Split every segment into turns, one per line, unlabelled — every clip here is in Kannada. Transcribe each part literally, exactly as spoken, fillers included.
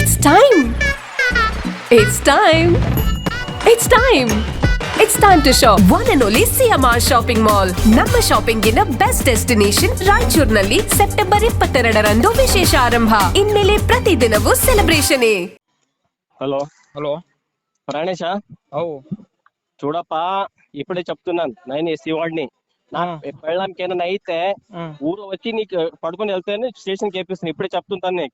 It's time. It's time. It's time. It's time to shop. One and only C M R Shopping Mall. ನಮ್ಮ ಶಾಪಿಂಗ್ ನ ಬೆಸ್ಟ್ ಡೆಸ್ಟಿನೇಷನ್ ರಾಯಚೂರಿನಲ್ಲಿ ಸೆಪ್ಟೆಂಬರ್ ಇಪ್ಪತ್ತೆರಡರಂದು ವಿಶೇಷ ಆರಂಭ. ಇನ್ಮೇಲೆ ಪ್ರತಿದಿನವೂ ಸೆಲೆಬ್ರೇಷನ್.
హలో
హలో
ప్రాణేశ
అవు
చూడప్పా ఇప్పుడే చెప్తున్నాను నేను ఎస్సీ వాడిని నా పెళ్ళాంకి ఏమైనా అయితే ఊరు వచ్చి నీకు పడుకొని వెళ్తాను స్టేషన్ కేపిస్తాను ఇప్పుడే చెప్తుంటాను నీకు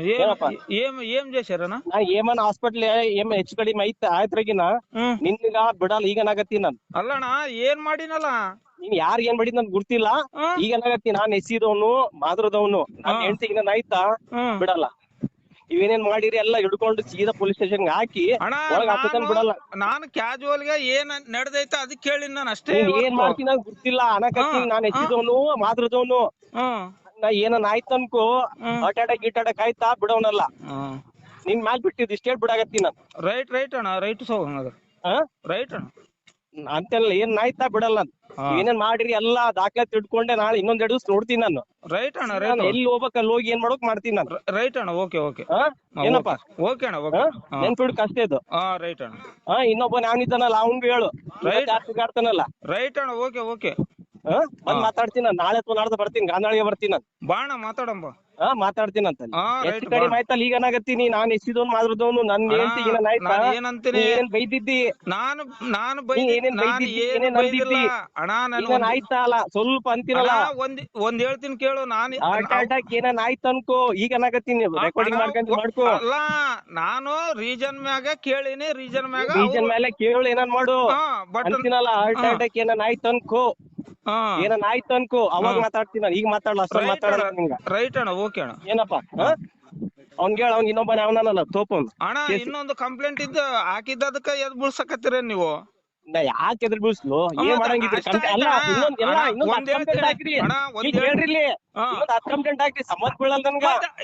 ఏం ఏం చేశారనా
ನಾ ಏಮನ್ ಹಾಸ್ಪಿಟಲ್ ಏಮ್ ಹೆಚ್ಚು ಕಡಿಮೆ ಐತೆ ಆಯ್ತ್ರಗಿನ ನಿನ್ಗ ಬಿಡಲ್ಲ ಈಗ ನಾಗತ್ತೀನಿ ನಾನು
ಅಲ್ಲಣ್ಣ ಏನ್ ಮಾಡಿನಲ್ಲ
ನೀನ್ ಯಾರ್ ಏನ್ ಮಾಡಿದ್ ನನ್ ಗುರ್ತಿಲ್ಲ ಈಗ ನಾಗತ್ತೀನಿ ನಾನ್ ಎಸ್ಸಿದವನು ಮಾದ್ರದವನು ನಾನ್ ಹೆಂಡತಿಗೆ ನಾನು ಆಯ್ತಾ ಬಿಡಲ್ಲ ಇವೇನೇನ್ ಮಾಡಿರಿ ಎಲ್ಲ ಹಿಡ್ಕೊಂಡು ಸೀದಾ ಪೊಲೀಸ್ ಸ್ಟೇಷನ್ ಹಾಕಿ ಒಳಗ್ ಹಾಕತಾನ ಬಿಡಲ್ಲ.
ನಾನು ಕ್ಯಾಜುವಲ್ ಗೆ ಏನ್ ನಡೆದೈತೆ ಅದಕ್ಕೆ ಕೇಳಿ ನಾನು ಅಷ್ಟೇ
ಏನ್ ಮಾಡ್ತೀನಿ ನಂಗೆ ಗೊತ್ತಿಲ್ಲ ಅನ್ನಕತ್ತೀನಿ ನಾನ್ ಎಸ್ಸಿದವನು ಮಾದ್ರದವನು ನಾ ಏನನ್ ಆಯ್ತು ಅನ್ಕೋ ಹಾರ್ಟ್ ಅಟ್ಯಾಕ್ ಗಿಟ್ ಅಟ್ಯಾಕ್ ಆಯ್ತಾ ಬಿಡವನಲ್ಲ ನಿನ್ ಮ್ಯಾಲ್ ಬಿಟ್ಟಿದ್ ಇಷ್ಟೇ ಬಿಡಾಕತ್ತೀನಿ ನಾನು.
ರೈಟ್ ರೈಟ್ ಅಣ್ಣ ರೈಟ್ ಸೋ ರೈಟ್ ಅಣ್ಣ
ಅಂತೆಲ್ಲ ಏನ್ ಆಯ್ತಾ ಬಿಡಲ್ಲ ಏನೇನ್ ಮಾಡಿರಿ ಎಲ್ಲಾ ದಾಖಲಾತಿ ಇಟ್ಕೊಂಡೆ ನಾಳೆ ಇನ್ನೊಂದ್ ಎರಡು ದಿವಸ ನೋಡ್ತೀನಿ ನಾನು.
ರೈಟ್ ಅಣ್ಣ ರೈಟ್
ಎಲ್ಲಿ ಹೋಗ್ಬೇಕು ಅಲ್ಲಿ ಹೋಗಿ ಏನ್ ಮಾಡೋಕ್ ಮಾಡ್ತೀನಿ ನಾನು.
ರೈಟ್ ಅಣ್ಣ ಓಕೆ ಓಕೆ
ಏನಪ್ಪಾ
ಓಕೆ ಅಣ್ಣ ಓಕೆ
ನೆನ್ಪಿಡ್ಕ ಅಷ್ಟೇ ಇದು.
ಹಾ ರೈಟ್ ಅಣ್ಣ
ಹಾ ಇನ್ನೊಬ್ಬ ಯಾವನಿದ್ದಾನಲ್ಲ ಅವ್ನ್ಗೂ ಹೇಳು
ರೈಟ್
ಆಡ್ತಾನಲ್ಲ.
ರೈಟ್ ಅಣ್ಣ ಓಕೆ ಓಕೆ
ಹಾ ಬಂದ್ ಮಾತಾಡ್ತೀನಿ ನಾನು ನಾಳೆ ಅಥವಾ ನಾಡ್ದು ಬರ್ತೀನಿ ಗಾಂಧಾಳಿಗೆ ಬರ್ತೀನಿ ನಾನು.
ಬಾಣ ಮಾತಾಡಂಬ
ಹಾ ಮಾತಾಡ್ತೀನಿ ಅಂತ ಎಷ್ಟು ಕಡಿಮೆ ಆಯ್ತಲ್ಲ ಈಗ ಏನಾಗತ್ತೀನಿ ನಾನ್ ಎಸ್ಸಿದವನು ಮಾದ್ರದವನು ನನ್ನ ಹೇಳ್ತಿ ಏನಾಯ್ತಾ
ಏನಂತೀನಿ
ಏನ್ ಬೈದಿದ್ದಿ
ನಾನು ನಾನು
ಏನೇನ್ ಬೈದಿದ್ದಿ ಏನೇನ್ ಅಂದಿದ್ದಿ
ಅಣ್ಣ
ನಾನು ಆಯ್ತಾ ಅಲ್ಲ ಸ್ವಲ್ಪ ಅಂತಿರಲ್ಲ
ಒಂದ್ ಒಂದ್ ಹೇಳ್ತೀನಿ ಕೇಳು ನಾನು
ಹಾರ್ಟ್ ಅಟ್ಯಾಕ್ ಏನೇನ್ ಆಯ್ತು ಅನ್ಕೋ ಈಗ ಏನಾಗತ್ತೀನಿ ರೆಕಾರ್ಡಿಂಗ್ ಮಾಡ್ಕೊಂಡ್ ಮಾಡ್ಕೋ.
ಅಲ್ಲ ನಾನು ರೀಜನ್ ಮ್ಯಾಗ ಕೇಳಿನಿ ರೀಜನ್ ಮ್ಯಾಗ
ರೀಜನ್ ಮೇಲೆ ಕೇಳು ಏನಾನ್ ಮಾಡು ಅಂತೀನಲ್ಲ ಹಾರ್ಟ್ ಅಟ್ಯಾಕ್ ಏನೇನ್ ಆಯ್ತು ಅನ್ಕೋ ಏನನ್ ಆಯ್ತು ಅನ್ಕೋ ಅವಾಗ ಮಾತಾಡ್ತೀನಿ ನಾನು ಈಗ ಮಾತಾಡಲ್ಲ ಅಷ್ಟ ಮಾತಾಡಲ್ಲ ನಿಂಗ.
ರೈಟ್ ಅಣ್ಣ ಓಕೆ ಅಣ್ಣ
ಏನಪ್ಪಾ ಅವ್ನ್ಗೆ ಹೇಳ ಅವ್ನ್ ಇನ್ನೊಬ್ಬ ಅವನಲ್ಲ ತೋಪನ್
ಅಣ್ಣ ಇನ್ನೊಂದು ಕಂಪ್ಲೇಂಟ್ ಇದ್ದು ಹಾಕಿದ್ದದಕ್ಕ ಎದ್ ಬುಳ್ಸಕತ್ತೀರ ನೀವು
ನಾ ಯಾಕೆ ಎದ್ರ ಬೀಳ್ಸ್ಲು ಏನ್ ಮಾಡಂಗಿದ್ರಿ ಅಲ್ಲ ಇನ್ನೊಂದ್ ಎಲ್ಲ ಇನ್ನೊಂದ್ ಹತ್ತು ಕಂಪ್ಲೇಂಟ್ ಹಾಕ್ರಿ ಈಗ ಹೇಳ್ರಿ ಇಲ್ಲಿ ಇನ್ನೊಂದ್ ಹತ್ತು ಕಂಪ್ಲೇಂಟ್ ಹಾಕ್ರಿ ಸಂಬಂಧ ಬೀಳಲ್ಲ ನನ್ಗ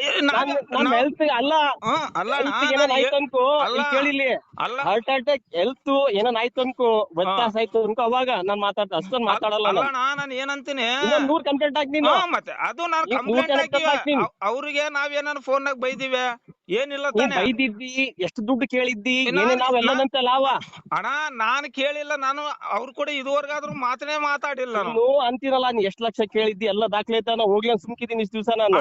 ನನ್ ಹೆಲ್ತ್ ಅಲ್ಲ ಏನೇನ್ ಆಯ್ತು ಅನ್ಕೋ ಕೇಳಿಲಿ ಹಾರ್ಟ್ ಅಟ್ಯಾಕ್ ಹೆಲ್ತ್ ಏನನ್ ಆಯ್ತು ಅನ್ಕೋ ವ್ಯತ್ಯಾಸ ಆಯ್ತು ಅನ್ಕೋ ಅವಾಗ ನಾನ್ ಮಾತಾಡ್ತ ಅಷ್ಟೊಂದ್ ಮಾತಾಡಲ್ಲ
ನಾನು ಏನಂತೀನಿ
ನೂರ್ ಕಂಪ್ಲೇಂಟ್ ಹಾಕಿ ನೀನು
ಮತ್ತೆ ಅದು ನಾನು ಕಂಪ್ಲೇಂಟ್ ಹಾಕಿ ಅವ್ರಿಗೆ ನಾವೇನಾರು ಫೋನ್ ನಾಗ ಬೈದಿವೆ ಏನಿಲ್ಲ ತಾನೆ
ಬೈದಿದ್ದಿ ಎಷ್ಟು ದುಡ್ಡು ಕೇಳಿದ್ದಿ ಏನೇ ನಾವೆಲ್ಲದಂತ ಲಾವ
ಅಣ್ಣ ನಾನು ಕೇಳಿಲ್ಲ ನಾನು ಅವ್ರು ಕೂಡ ಇದುವರೆಗಾದ್ರೂ ಮಾತನೇ ಮಾತಾಡಿಲ್ಲ
ನಾನು ಅಂತಿರಲ್ಲ ನೀ ಎಷ್ಟ್ ಲಕ್ಷ ಕೇಳಿದ್ದಿ ಎಲ್ಲ ದಾಖಲೆ ಐತ ಹೋಗ್ಲಿ ಅಂತ ಸುಮ್ಕಿದೀನಿ ಇಷ್ಟ ದಿವಸ ನಾನು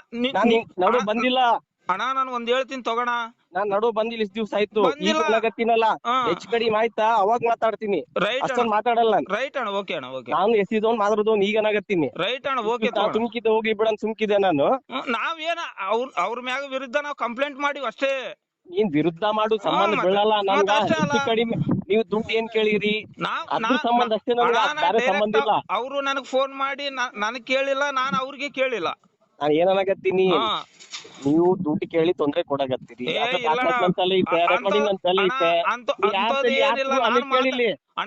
ನಡು ಬಂದಿಲ್ಲ
ಅಣ್ಣ ನಾನು ಒಂದ್ ಹೇಳ್ತೀನಿ ತಗೋಣ
ನಾನ್ ನಡು ಬಂದಿಲ್ಲ ಇಷ್ಟ ದಿವ್ಸ ಆಯ್ತು ಈಗತ್ತಿನಲ್ಲ ಹೆಚ್ಚು ಕಡಿಮೆ ಆಯ್ತಾ ಅವಾಗ ಮಾತಾಡ್ತೀನಿ ಅಷ್ಟೊಂದ್ ಮಾತಾಡಲ್ಲ
ರೈಟ್ ಅಣ್ಣ ಓಕೆ ಅಣ್ಣ ಓಕೆ
ನಾನು ಎಸಿದವನ್ ಮಾತಾಡೋದವ್ನು ಈಗ ಏನಾಗತ್ತೀನಿ
ರೈಟ್ ಅಣ್ಣ ಓಕೆ
ಸುಮ್ಕಿದ್ದೆ ಹೋಗಿ ಬಿಡನ್ ಸುಮ್ಕಿದೆ ನಾನು
ನಾವೇನ ಅವ್ರ ಅವ್ರ ಮ್ಯಾಗ ವಿರುದ್ಧ ನಾವ್ ಕಂಪ್ಲೇಂಟ್ ಮಾಡಿವ್ ಅಷ್ಟೇ.
ನೀನ್ ವಿರುದ್ಧ ಮಾಡು ಸಂಬಂಧ ಬೀಳಲ್ಲ ನನ್ಗ ಹೆಚ್ಚು ಕಡಿಮೆ ನೀವು ದುಡ್ಡು ಏನ್ ಕೇಳಿರಿ ಅದ್ರ ಸಂಬಂಧ ಅಷ್ಟೇ ಬೇರೆ ಸಂಬಂಧ ಇಲ್ಲ.
ಅವ್ರು ನನಗ್ ಫೋನ್ ಮಾಡಿ ನನಗ್ ಕೇಳಿಲ್ಲ ನಾನ್ ಅವ್ರಿಗೆ ಕೇಳಿಲ್ಲ.
ನಾನ್ ಏನನ್ನಾಗತ್ತೀನಿ ನೀವು ದುಡ್ಡು ಕೇಳಿ ತೊಂದ್ರೆ ಕೊಡಗತ್ತೀರಿ ಅಂತಲೇ ಐತೆ ರೆಕಾರ್ಡಿಂಗ್ ಅಂತಲೇ ಐತೆ ಕೇಳಿಲಿ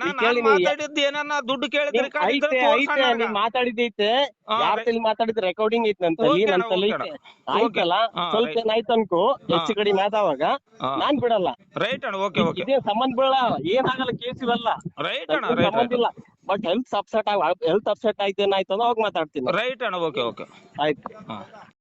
ದುಡ್ಡು
ಐತೆ ಐತೆ ನೀವ್ ಮಾತಾಡಿದೈತೆ ಯಾರ ತಲೆ ಮಾತಾಡಿದ ರೆಕಾರ್ಡಿಂಗ್ ಐತೆ ಅಂತಲ್ಲಿ ನನ್ ತಲೆ ಐತೆ ಆಯ್ತಲ್ಲ ಸ್ವಲ್ಪ ಏನಾಯ್ತು ಅನ್ಕೋ ಹೆಚ್ಚು ಕಡಿಮೆ ಆದವಾಗ ನಾನ್ ಬಿಡಲ್ಲ.
ರೈಟ್ ಅಣ್ಣ ಓಕೆ ಓಕೆ
ಇದೇ ಸಂಬಂಧ ಬೀಳಲ್ಲ ಏನಾಗಲ್ಲ ಕೇಸ್ ಇವೆಲ್ಲ
ರೈಟ್ ಅಣ್ಣ
ಸಂಬಂಧ ಇಲ್ಲ but health upset health upset ಆಯ್ತು ಏನಾಯ್ತು ಅವಾಗ ಮಾತಾಡ್ತೀನಿ.
ರೈಟ್ ಅಣ್ಣ ಓಕೆ ಓಕೆ
ಆಯ್ತು.